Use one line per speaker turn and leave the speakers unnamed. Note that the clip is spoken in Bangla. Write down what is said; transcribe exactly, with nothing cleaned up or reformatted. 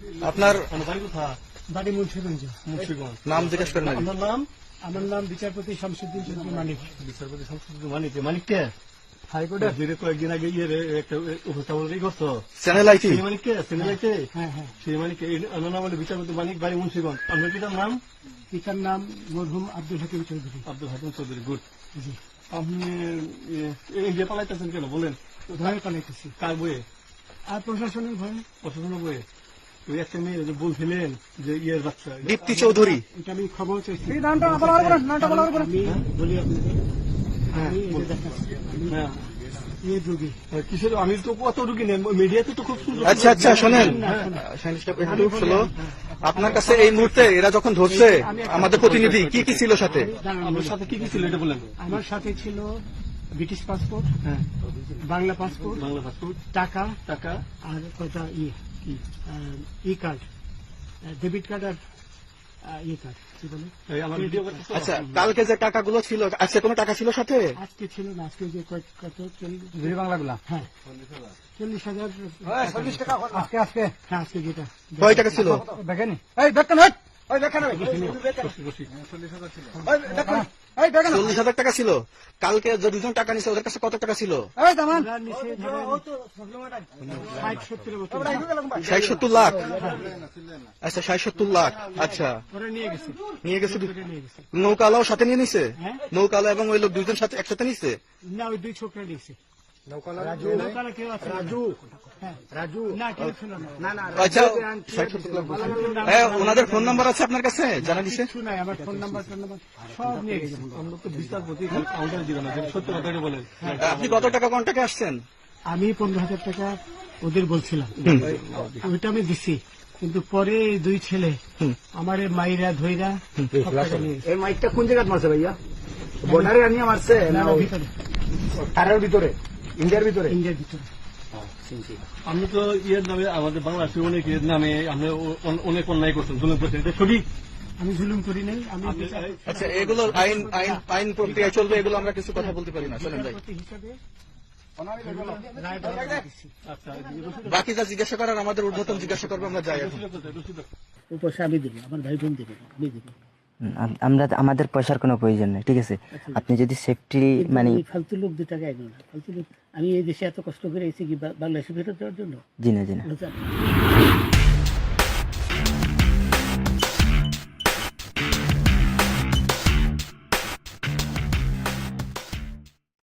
আপনার
বাড়ি কোথায়?
বাড়ি মুন্সিগঞ্জ।
মুন্সিগঞ্জ।
নাম জিজ্ঞেস করেন আগে।
আপনার নাম?
আমার নাম বিচারপতি শামসুদ্দিন চৌধুরী মানিক।
বিচারপতি শামসুদ্দিন মানিক। মানিক কে?
হাইকোর্টের।
যে কয়েকদিন আগে ইয়ে একটা উপস্থাপন করছো
চ্যানেল আইটি।
সেই মানিক কে? চ্যানেল আইতে?
হ্যাঁ হ্যাঁ।
সেই মানিক ওনার নাম হলো বিচারপতি মানিক, বাড়ি মুন্সিগঞ্জ। আপনার পিতার নাম?
পিতার নাম মরহুম আব্দুল হাকিম চৌধুরী।
আব্দুল হাকিম চৌধুরী। গুড।
জি।
আপনি ইন্ডিয়া পালাইতেছেন কেন বলেন?
ভয়ে পালাইতেছি।
কার বইয়ে?
আর প্রশাসনের ভয়ে।
প্রশাসনের বইয়ে? ওই একটা মেয়ে যে বলছিলেন যে ইয়ের বাচ্চা
দীপ্তি চৌধুরী।
এটা আমি খবর চাইছি। নামটা বলা হবে না, নামটা বলা হবে না। আমি বলি আপনাকে, আমি এটা দেখাচ্ছি। আমি
হ্যাঁ
এই রোগী।
কিসের? আমি তো কত রুগী নেন মিডিয়াতে তো খুব সুন্দর।
আচ্ছা আচ্ছা শোনেন, শাহিন সাহেব একটু শোনো। আপনার কাছে এই মুহূর্তে এরা যখন ধরছে আমাদের প্রতিনিধি কি কি ছিল সাথে?
আপনার সাথে কি কি ছিল এটা বলেন।
আমার সাথে ছিল ব্রিটিশ পাসপোর্ট,
হ্যাঁ
বাংলা পাসপোর্ট,
বাংলা পাসপোর্ট,
টাকা
টাকা,
আর কয়টা ইয়ে কি ই কার্ড, ডেবিট কার্ড আর ই কার্ড কি বলে।
এই আমার ভিডিও করতেছো?
আচ্ছা কালকে যে টাকাগুলো ছিল, আজকে কোনো টাকা ছিল সাথে?
আজকে ছিল না, আজকে যে কয়- কত
দুই বাংলাগুলা
হ্যাঁ চল্লিশ হাজার
চল্লিশ টাকা আজকে আজকে
হ্যাঁ আজকে যেটা
কয় টাকা ছিল?
দেখেনি এই দেখেন ওই ওই দেখেন ওই দেখেন এই দেখেন
চল্লিশ হাজার টাকা ছিল। কালকে যে দুজন টাকা নিছে ওদের কাছে কত টাকা ছিল?
এই দামান
ওরা নিচে ধরেন ষাট সত্তর বছর
ষাট সত্তর লাখ। আচ্ছা ষাট সত্তর লাখ। আচ্ছা
ওরা নিয়ে গেছে,
নিয়ে গেছে।
ওটা নিয়ে গেছে।
নৌকালাও সাথে নিয়ে নিছে?
হ্যাঁ?
নৌকালা এবং ওই লোক দুইজন সাথে একসাথে নিছে?
না ওই দুই ছোকরা নিয়েছে।
রাজু
নৌকারা কেউ আছে না।
রাজু
হ্যাঁ
রাজু
না কেউ ছিল না।
না না
আচ্ছা ষাট সত্তর লাখ বলছেন। হ্যাঁ ওনাদের ফোন নাম্বার আছে আপনার কাছে? জানা দিছে?
কিছু নাই, আমার ফোন নাম্বার ফোন নাম্বার সব নিয়ে গেছে।
আমরা তো বিচারপতি কাউন্টারে দিবেন না, যদি সত্য কথা বলেন।
আপনি কত টাকা কন্টাকে আসছেন?
আমি পনেরো হাজার টাকা ওদের বলছিলাম, ওইটা আমি দিছি, কিন্তু পরে এই দুই ছেলে আমার মাইরা ধইরা সব টাকা নিয়ে গেছে।
এই মাইকটা কোন জায়গায় মারছে ভাইয়া? বর্ডারে আনিয়ে মারছে
না,
না
না,
ওই
ভিতরে
তারের ভিতরে ইন্ডিয়ার ভিতরে?
ইন্ডিয়ার ভিতরে।
আপনি তো ইয়ের নামে আমাদের বাংলাদেশের অনেক ইয়ের নামে আপনি অ- অনেক অন্যায় করছেন, জুলুম করছেন, এটা সঠিক?
আমি জুলুম করি নাই, আমি
আপনি-
বিচারপতি
আচ্ছা এগুলো আইন আইন আইন প্রক্রিয়া চলবে, এগুলো আমরা কিছু কথা বলতে পারি না। চলেন যাই।
হিসাবে রায় বর্ণনা দিচ্ছি।
আচ্ছা
বাকি যা জিজ্ঞাসা করার আমাদের ঊর্ধ্বতন জিজ্ঞাসা করবো, আমরা যাই এখন।
ও পয়সা আমি দেবো, আমার ভাই বোন দেবে, আমি দেবো।
হুম, আম- আমরা আমাদের পয়সার কোনো প্রয়োজন নেই, ঠিক আছে? আপনি যদি সেফটি মানে
এই ফালতু লোক দু টাকা এগো না, ফালতু লোক। আমি এই দেশে এত কষ্ট করে এসেছি কি বা- বাংলাদেশে ফেরত দেওয়ার জন্য?
জি না জি না
বুঝলেন?